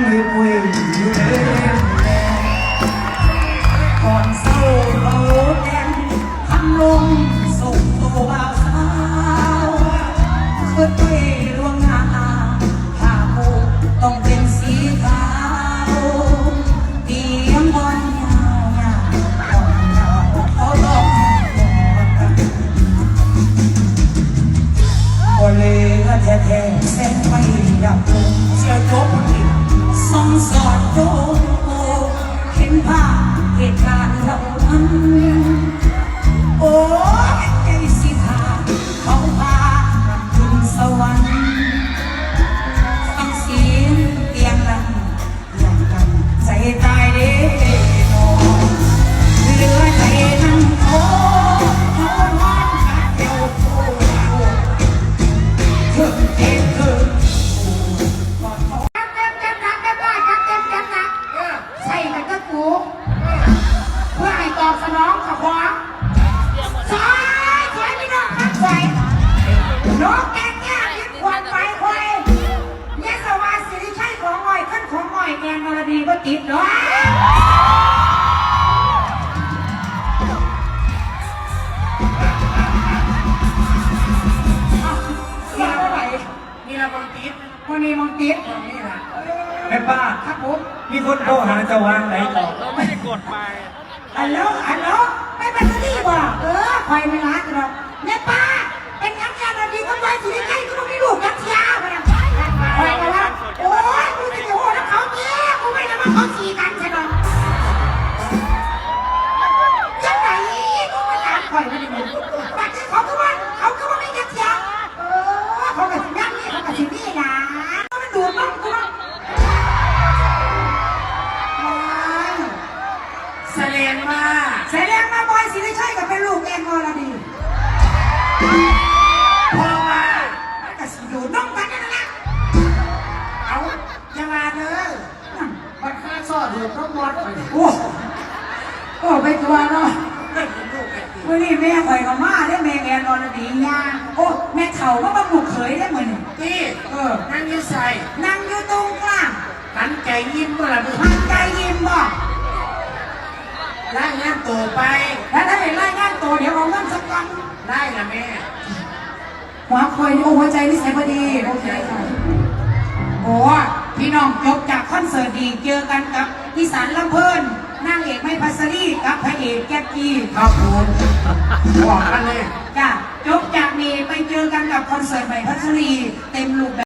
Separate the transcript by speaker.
Speaker 1: มีปุยอยู่เด้ก่อนเศร้าเราแก่นคำลงส่งตัวบ่าวสาวเพื่อไปลวงหน้าผ้าปูต้องเป็นสีขาวเตรียมบอลยาวๆบอลยาวเขาลองบอลเลยแท้ๆแสงไฟดับลงเสียจบส่องสอดโยเห็นภาพเหตุการณ์เหล่านั้นโอ้ใจสิทาเขาพาขึ้นสวรรค์ฟังเสียงเตียงนั้นอย่างกันใจตายเด้นอนเหลือใจนั่งโอ้นอนวันกัดเดียวโอ้เธอเองเธอใส่กันก็กูเพื่อให้ตอบสนองกับความสวยไม่นอกนักใส่นกแกงแง่ยิบควันไปควายเนี่ยสวัสดิ์สิริชัยของอ้อยขึ้นของอ้อยแกงนรดีก็ติดเนาะนี่ละมังติดวันนี้มังติดนี่ละ
Speaker 2: แม่ป้า
Speaker 1: ครับผม
Speaker 2: มีคนโทรหาจะวางไหนต่อ
Speaker 3: เราไม่ได้กดไป
Speaker 1: ฮัลโหลไม่เป็นที่บ่คอยไม่รักหรอกแม่ป้าเป็นยังไงเราดีก็ไปสิใกล้ก็ต้องมีลูกกัดยาไปนะคอยกันแล้วโอ้ยกูจะอยู่แล้วเขาเนี้ยกูไม่ได้มาเขาขี่กันใช่ไหมยังไงกูไม่อยากคอยไม่ได้มึงแต่ที่เขาก็ว่าไม่กัดยาเขากับสินั่งนี่เขากับสินี่นะมันดูมั่งกูมั่ง
Speaker 3: แสดงว่า
Speaker 1: บอยสิริชัยกับเป็นลูกแอนอรดี
Speaker 3: พอมา
Speaker 1: ก็สิอยู่น้องกันนั่นแหละ
Speaker 3: เอาจะมาเด้อมันค่าซอดหัวต้องวัดไป
Speaker 1: โอ้ไปตัวเนาะวันนี้แม่ข่อยกับม่าได้แม่แอนอรดีย่าโอ้แม่เถ่าก็มาบุกเขยได้เหมือน
Speaker 3: นี่นั่งยืดใส่
Speaker 1: นั่งอยู่ตรงกลาง
Speaker 3: หันใจยิ้มเมื่อไหร่
Speaker 1: หันใจยิ้มบอก
Speaker 3: ไล่งานตัวไป
Speaker 1: แล้วถ้าเห็นไล่งานตัวเดี๋ยวเอาเงินสักกัน
Speaker 3: ไล่ละแม่
Speaker 1: หัวคอยโอ้หัวใจนิสัยพอดีโอเคค่ะโอ้พี่น้องจบจากคอนเสิร์ตดีเจอกันกับอีสานลำเพลินนางเอกไม่พัสรีกับพระเอกแก๊กกี้
Speaker 3: ครับผมบอกกันเลย
Speaker 1: จ้ะจบจากนี้ไปเจอกันกับคอนเสิร์ตใหม่พัสรีเต็มรูปแบบ